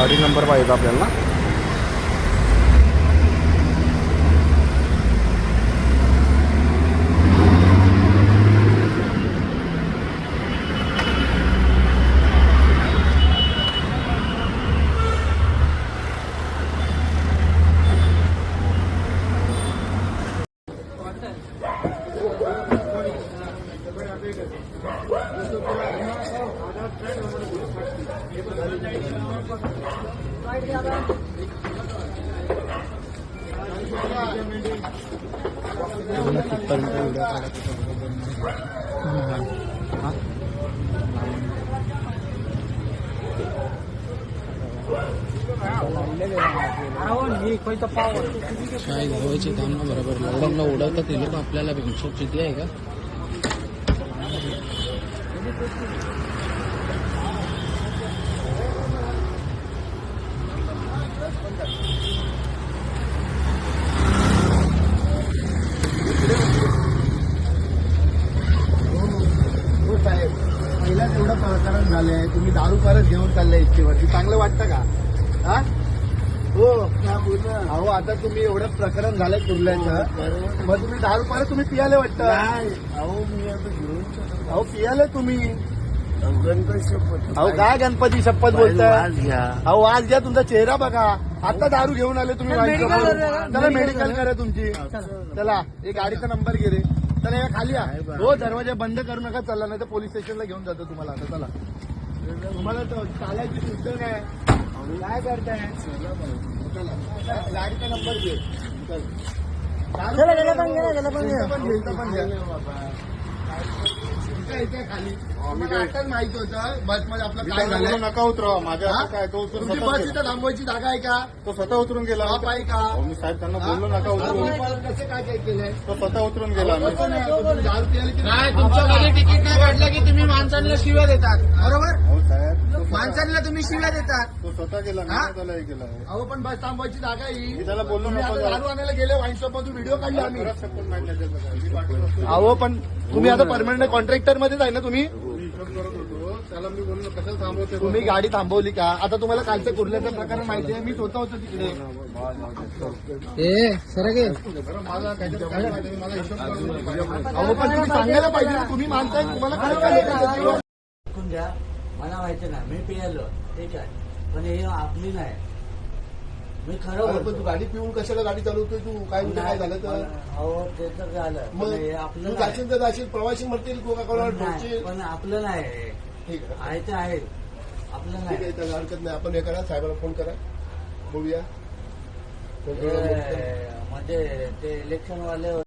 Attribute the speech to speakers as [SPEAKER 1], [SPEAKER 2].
[SPEAKER 1] गाडी नंबर पाहिजे आपल्याला. काय घालवायचे काम ना बरोबर लॉकडाऊनला उडवतात ते लोक आपल्याला पेन्शन किती आहे का.
[SPEAKER 2] पहिलाच एवढं प्रकरण झालंय, तुम्ही दारू परत घेऊन चाललाय इच्छेवरती, चांगलं वाटतं का? हा हो अहो, आता तुम्ही एवढं प्रकरण झालंय कुर्ल्याचं, मग तुम्ही दारू परत तुम्ही पियाले वाटतं. अहो मी आता घेऊन अहो पियाले तुम्ही. गणपती शपथ. अहो काय गणपती शपथ बोलताय? अहो आज घ्या, तुमचा चेहरा बघा. आता दारू घेऊन आले तुम्ही. चला मेडिकल करा तुमची. चला एक गाडीचा नंबर घे रे. चला या खाली या. हो दरवाजा बंद करू नका. चला नाही तर पोलीस स्टेशनला घेऊन जातो तुम्हाला. आता चला, तुम्हाला चालायची सुद्धा नाही. काय करताय? गाडीचा नंबर घे. खाली आताच माहिती होतं बस मध्ये आपलं काय झालं. नका उतरवा माझ्या. काय तो तुमची बस इथं थांबवायची जागा आहे का? तो स्वतः उतरून गेला. आहे का? मी साहेब त्यांना बोललो नका उतरून. कसं काय काय केलंय? तो स्वतः उतरून गेला.
[SPEAKER 1] नाही तुमच्यामध्ये तिकीट नाही काढलं की तुम्ही माणसांना शिव्या देतात. बरोबर
[SPEAKER 2] हो साहेब,
[SPEAKER 1] माणसांना तुम्ही शिव्या देतात.
[SPEAKER 2] तो स्वतः गेला. त्याला हे केला. अहो पण बस थांबवायची जागा आहे. त्याला बोललो दारू आणायला गेले वाईन शॉप मधून व्हिडिओ काढले आम्ही. अहो पण तुम्ही आता परमनंट कॉन्ट्रॅक्टर मध्येच आहे ना तुम्ही. त्याला मी बोललो कशाला थांबवते. तुम्ही गाडी थांबवली का? आता तुम्हाला कालचं कुर्ल्याचं प्रकरण माहिती आहे. मी स्वतः होतो तिकडे. मला काहीतरी मला हिशोब. अहो पण तुम्ही सांगायला पाहिजे ना. तुम्ही मानताय, तुम्हाला काय
[SPEAKER 3] द्या. मला माहिती नाही, मी पियालो ठीक आहे, पण हे आपली नाही. मी खरं बोलतो.
[SPEAKER 2] तू गाडी पिऊन कशाला गाडी चालवतोय तू? काय काय झालं तर?
[SPEAKER 3] हो ते तर झालं, पण हे आपलं नाही.
[SPEAKER 2] जाशील तर जाशील, प्रवासी म्हणतील तू
[SPEAKER 3] नाही, पण आपलं नाही.
[SPEAKER 2] ठीक
[SPEAKER 3] आहे ते आहे, आपलं नाही.
[SPEAKER 2] आहे, त्याला हरकत नाही. आपण हे करा, साहेबाला फोन करा, बोलूया.
[SPEAKER 3] म्हणजे ते इलेक्शन वाले